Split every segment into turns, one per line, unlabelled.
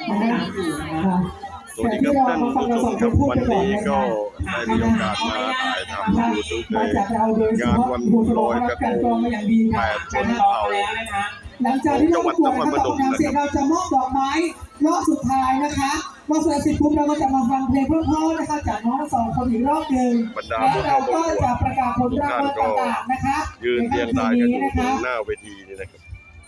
สวัสดีครับท่านผู้ชมครับวันนี้ก็ได้มีโอกาสมาถ่ายทำยูทูบในงานวันลอยกระทง8 ชนเผ่า
หลังจากที่เราประกวดนะครับเสร็จเราจะมอบดอกไม้รอบสุดท้ายนะคะพอเสร็จปุ๊บเราก็จะมาฟังเพลงเพราะๆนะคะจากน้องสองคนอีกรอบหนึ่งแล้วเราก็จะประกาศผลรางวัลต่างๆนะคะ
ยืนเรียงรายกันอยู่ตรงหน้าเวทีนี่นะครับ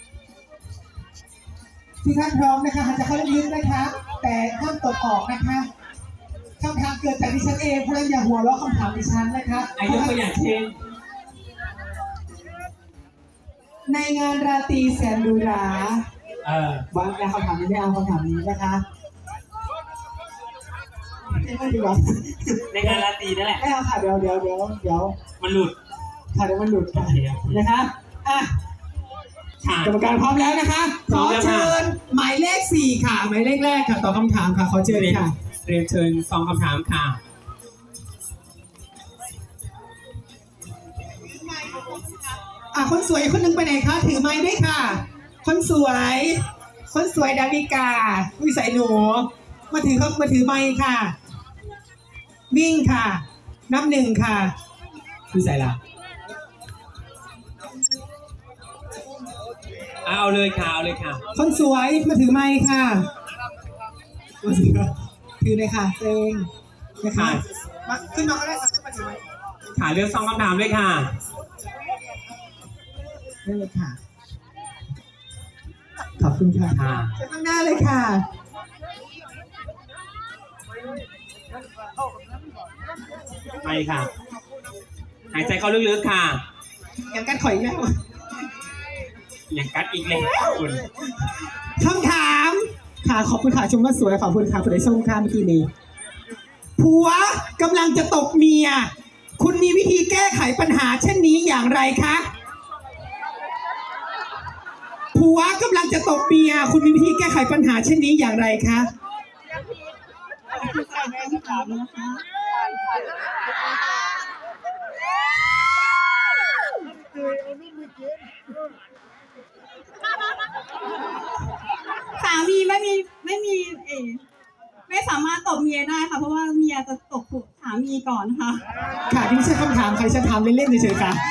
ที่ท่านพร้อมนะคะจะเข้าลึกนะคะแต่ห้ามตกออกนะคะคำถามเกิดจากดิฉันเองเพราะฉะนั้นอย่าหัวเราะคำถามดิฉันนะคะ
ยกตัวอย่างเช่น
ในงานราตรีแสนหรูหราวางคำถามนี้ไม่เอาคำถามนี้นะคะไม่ดีกว่า
ในงานราตรีนั่นแหละ
ไม่เอาค่ะเดี๋ยว
มันหลุด
ค่ะเดี๋ยวมันหลุดนะคะกรรมการพร้อมแล้วนะคะขอเชิญหมายเลข4ค่ะหมายเลขแรกค่ะตอบคำถามค่ะขอเชิญค่ะ
เรียนเชิญฟังคำถามค่ะ
คนสวยคนหนึ่งไปไหนคะถือไม้ด้วยค่ะคนสวยดาวิกาวิสัยหนูมาถือไม้ค่ะวิ่งค่ะนับ1ค่ะวิสัยละ
เอาเลยค่ะ
คนสวยมาถือไม้ค่ะถือเลยค่ะเซ็งนะคะมาขึ้นมาก็ได้ค่ะขึ้นมาถือไม้
ค่ะเลือก2 คำถามเลยค่ะ
ได้เลยค่ะขอบคุณค่ะเชิญข้างหน้าเลยค่ะ
ไปค่ะหายใจเข้าลึกๆค่ะ
ยังกัดถอยแล้ว
ยังกัดอีกเลยคุณ
คำถามค่ะขอบคุณค่ะชมว่าสวยขอบคุณค่ะคุณได้ชมค่ะเมื่อกี้นี้ผัวกำลังจะตบเมียคุณมีวิธีแก้ไขปัญหาเช่นนี้อย่างไรคะผัวกำลังจะตบเมียคุณมีวิธีแก้ไขปัญหาเช่นนี้อย่างไรคะ
สามีไม่สามารถตบเมียได้ค่ะเพราะว่าเมียจะตบสามีก่อนค่ะ
ค่ะที่ไม่ใช่คำถามใครจะถามเล่นๆเฉยๆค่ะ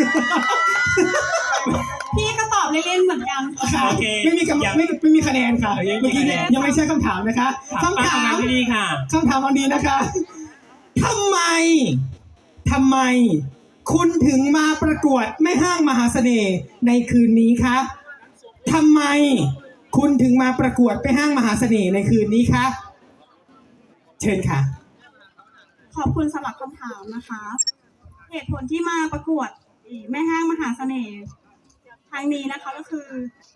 พี่ก็ตอบเล่นๆเหมือนกัน
ค่ะไม่มีคะแนนค่ะเมื่อกี้ยังไม่ใช่คำถามนะคะคำถาม
ที่ดีค่ะ
คำถามวันนี้นะคะทำไมคุณถึงมาประกวดแม่ห้างมหาเสน่ห์ในคืนนี้คะทำไมคุณถึงมาประกวดแม่ห้างมหาเสน่ห์ในคืนนี้คะเชิญค่ะ
ขอบคุณสำหรับคำถามนะคะเหตุผลที่มาประกวดแม่ห้างมหาเสน่ห์ครั้งนี้นะคะก็คือ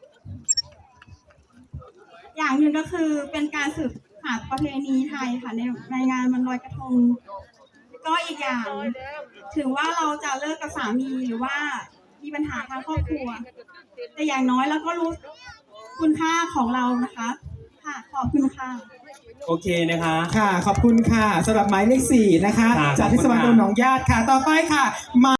อย่างหนึ่งก็คือเป็นการสืบหาประเพณีไทยค่ะในงานวันลอยกระทงก็อีกอย่างถึงว่าเราจะเลิกกับสามีหรือว่ามีปัญหาทางครอบครัวแต่อย่างน้อยเราก็รู้คุณค่าของเรานะคะค่ะขอบคุณค่ะ
โอเคนะคะ
ค่ะขอบคุณค่ะสำหรับหมายเลข4นะคะจากเทศบาลตำบลหนองญาติค่ะต่อไปค่ะ